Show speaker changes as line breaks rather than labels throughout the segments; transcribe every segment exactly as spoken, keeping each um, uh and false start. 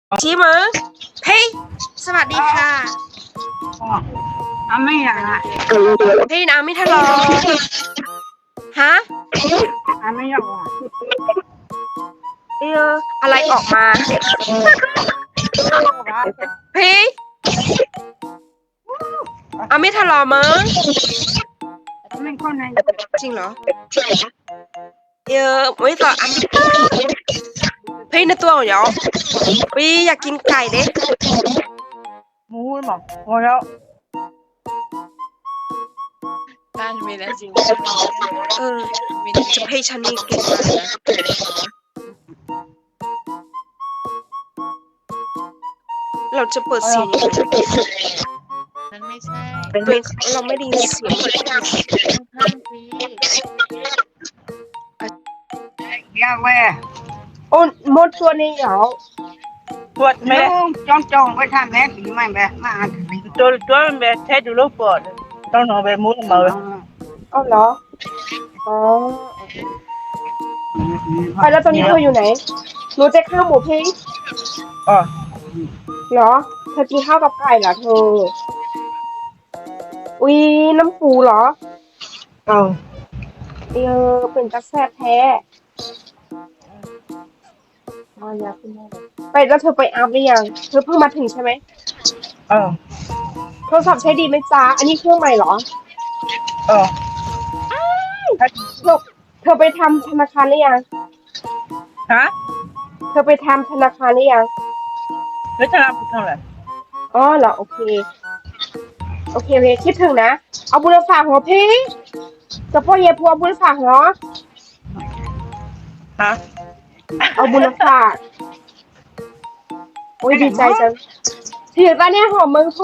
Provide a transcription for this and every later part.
ชี้มือเฮ้ยสวัสดีค่ะ
อ่ะไม่อยากอ่ะ
เฮ้ยน้ำไม่ทะเลาะฮะ
อ่ะไม่อยากอ่ะ
เอออะไรออกมาเฮ้ยอาไม่ทะเลาะมั้ง
ไม่คนไหน
จริงเหรอเออไม่ต่ออาไม่เฮ้ยในตัวเหรอวิอยากกินไก่เด้
หมูหรอพอแล้ว
ได้มีแล้วจริง
เออจะให้ฉันนี่เก่งมากนะเราจะเปิดเสียงยังไง
มันไม่ใช่
ตัวเองเราไม่ได้ยินเสียง
ข้างๆสิ
อยากแว่
โอ้มดตัวนี้เหรอ
ปวดไหมจ้องจ้องไปทำแม่สีไม่แบบมาตัวตัวมันแบบแท้ดูรูปปวดต้องนอนแบบมุดมือ
อ๋อเหรออ๋อไปแล้วตอนนี้เธออยู่ไหนรู้จะข้าวหมูพี่
อ๋อ
เหรอเธอกินข้าวกับไก่เหรอเธออุ้ยน้ำปูเหรอ
เอา
เออเป็นตาแซ่บแท้ไปแล้วเธอไปอาบหรือยังเธอเพิ่งมาถึงใช่ไหม
เออ
โทรศัพท์ใช้ดีไหมจ๊ะอันนี้เครื่องใหม่เหรอ
เออ
เธอเธอไปทำธนาคารหรือยัง
ฮะ
เธอไปทำธนาคารหรือยัง
ไม่ทำเท่าไหร่
อ๋อเหรอโอเคโอเคโอเคคิดถึงนะเอาบุญฝากหัวพี่จะพ่อเย่พัวบุญฝากเหรอ
ฮะ
เอาบุญฝากโอ้ยดีใจจังถือตาเนี่ยหอมเมืองโพ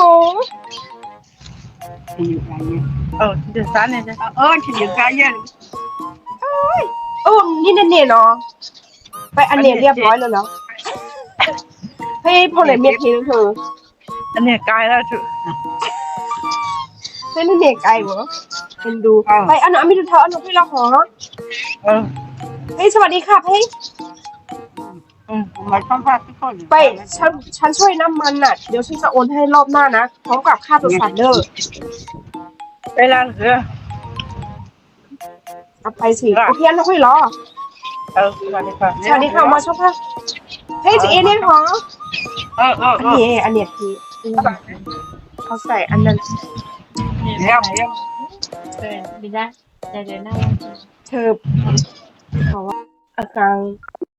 เออจะสานเนี่ยจ้ะเออฉันอยู่กายเย็น
โอ้นี่เน่ๆเนาะไปอันเนี้ยเรียบร้อยแล้วเนาะให้พ่อไหนเมียทีนึงเธอ
อันนี้กายแล้วจุ
ให้เน่ๆไกลเหรอเป็นดูไปอันนั้นไม่ดูเธออันนั้นพี่เราหอ
เออ
เฮ้ยสวัสดีค่ะพี่
อืมมาทำภาพทุกคน
ไปฉันฉันช่วยน้ำมันน่ะเดี๋ยวฉันจะโอนให้รอบหน้านะพร้อมกับค่าตัวสัตว์เด้อ
เวลาเหลือ
เอาไปสิโอเคอันนั้นค่อยรอ
เออสวัสดีค่ะ
สวัสดีค่ะมาชอบค่ะเฮ้ยจีเอเนี่ยหรอ
เออเออ
อันนี้อันเนี้ยพี่เขาใส่อันนั้น
เดี๋ยวเดี๋ยว
เออดีนะเดี๋ยวเดี๋ยวหน้า
เธอเขาว่าอาการ